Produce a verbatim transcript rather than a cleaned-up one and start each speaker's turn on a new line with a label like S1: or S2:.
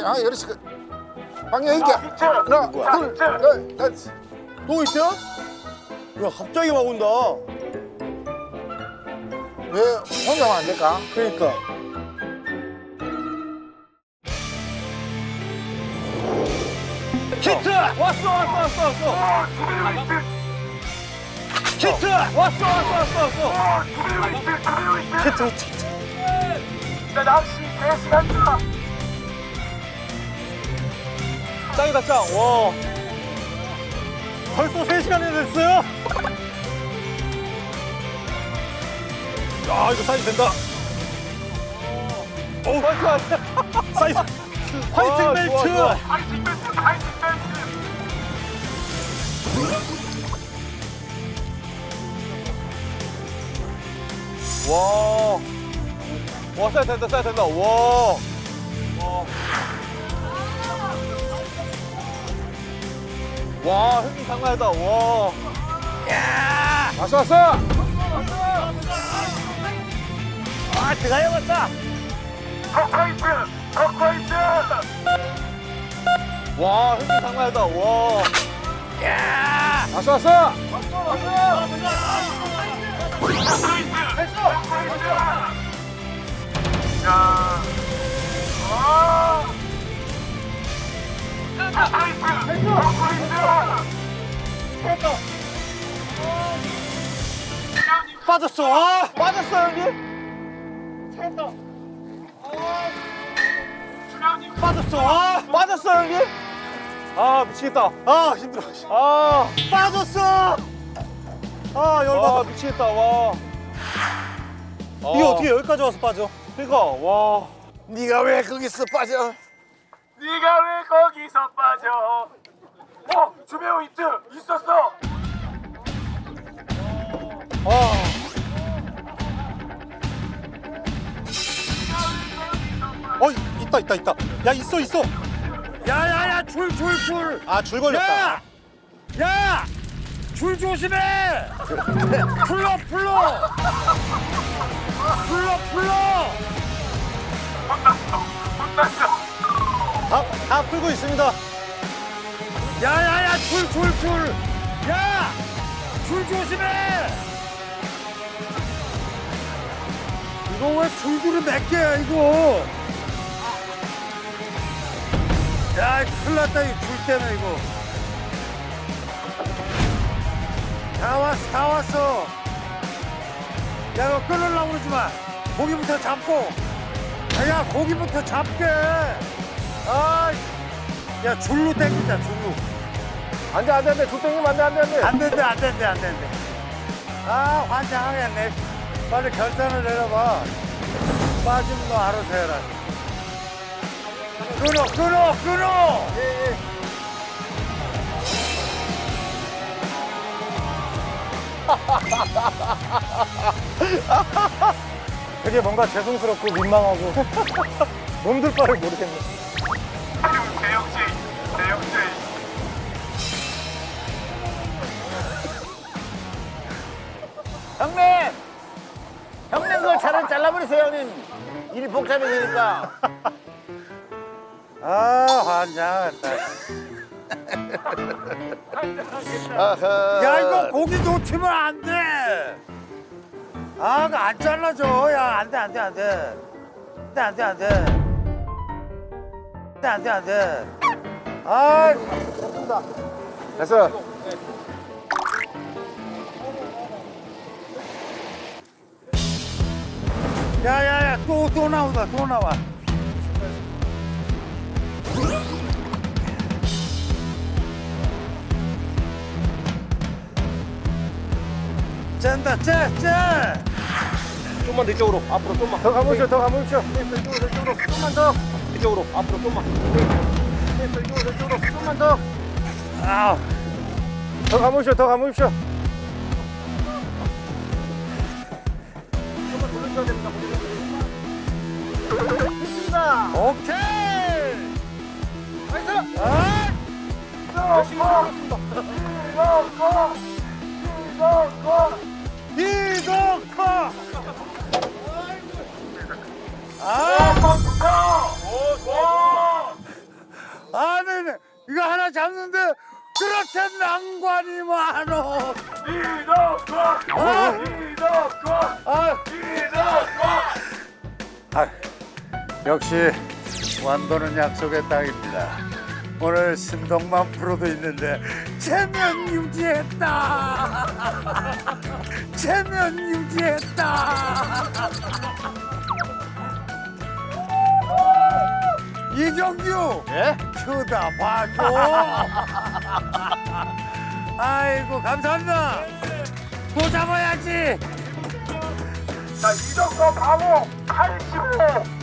S1: 아, 이렇게. 방향 있게. 하나, 둘, 넷, 넷.
S2: 또 있어? 야, 갑자기 막 온다.
S1: 왜 혼자만 안 될까?
S2: 그러니까. 히트! 왔어, 왔어, 왔어, 왔어. 히트! 왔어, 왔어, 왔어, 왔어. 히트, 히트, 히트.
S3: 나 낚시 세 시간이다.
S2: 짱이다, 짱. 와. 벌써 세 시간이 됐어요? 야, 이거 사이즈 된다. 오, 파이팅, 파이팅. 사이즈. 파이팅 벨트.
S3: 파이팅 벨트, 파이팅 벨트.
S2: 와. 와, 사이즈 된다, 사이즈 된다. 와. 와. 와, 흥이 장난이다. 와. 야!
S1: 왔어, 왔어.
S2: 아, 드가요 왔다.
S3: 터커이트, 터커이트.
S2: 와, 흥이 장난이다. 와. 야!
S1: 왔어, 왔어.
S3: 터커이트, 터커이트. 야. 와. 터커이트, 터커이트.
S2: 빠졌어. 아, 빠졌어, 형님.
S3: 수련님
S2: 빠졌어. 아, 빠졌어, 형님. 아, 미치겠다. 아, 힘들어. 아, 빠졌어. 아, 열받아. 아, 미치겠다. 와. 이게 어떻게 여기까지 와서 빠져? 그러니까, 와.
S1: 네가 왜 거기서 빠져?
S3: 네가 왜 거기서 빠져? 어, 주배우 히트 있었어.
S2: 아. 어, 있다, 있다, 있다. 야, 있어, 있어.
S4: 야, 야, 야, 줄, 줄, 줄.
S2: 아, 줄 걸렸다.
S4: 야! 야! 줄 조심해! 풀러, 풀러! 풀러, 풀러!
S3: 혼났어, 혼났어.
S2: 다, 다 풀고 있습니다.
S4: 야, 야, 야, 줄, 줄, 줄! 야! 줄 조심해! 이거 왜 줄줄이 몇 개야, 이거? 야, 큰일 났다, 이 줄 때문에, 이거. 다 왔어, 다 왔어. 야, 이거 끊으려고 그러지 마. 고기부터 잡고. 야, 야, 고기부터 잡게. 아, 야, 줄로 땡기자, 줄로.
S1: 안 돼, 안 돼, 안 돼. 줄 땡기면 안 돼, 안 돼, 안 돼.
S4: 안 된대, 안 된대, 안 된대. 아, 환장하겠네. 빨리 결단을 내려봐. 빠지면 너 알아서 해라. 끊어, 끊어, 끊어! 예, 예.
S2: 되게 뭔가 죄송스럽고 민망하고 몸둘 바를 모르겠네.
S3: 대역죄, 대역죄.
S4: 형님! 형님, 그 차를 잘라버리세요, 형님. 일이 복잡해지니까. 아, 환장하겠다. 야, 이거 고기 놓치면 안 돼. 아, 그거 안 잘라줘. 야, 안 돼, 안 돼, 안 돼. 안 돼, 안 돼, 안 돼. 안 돼, 안 돼, 안 돼. 아,
S1: 됐어.
S4: 야, 야, 야, 또, 또 나온다, 또 나와. 짠다, 짜, 짜.
S2: 좀만 더 이쪽으로, 앞으로 좀만.
S1: 더 가보시오, 더 가보시오.
S2: 이쪽으로, 이쪽으로, 좀만 더. 이쪽으로, 앞으로 좀만.
S1: 이쪽으로, 이쪽으로. 좀만 더.
S4: 아,
S1: 더 가보시오, 더 가보시오.
S4: 오케이.
S1: 나이스.
S4: 아,
S1: 열심히 살았습니다.
S4: 이동커. 아,
S3: 오, 좋아.
S4: 하나 잡는데 그렇게 낭관이 많어.
S3: 이덕권
S4: 아!
S3: 이덕권
S4: 아,
S3: 이덕권
S4: 아, 역시 완도는 약속의 땅입니다. 오늘 신동만 프로도 있는데 체면 유지했다. 체면 유지했다. 이정규,
S2: 예?
S4: 쳐다봐줘. 아이고 감사합니다. 또 잡아야지.
S3: 자 이덕권 방어 팔십오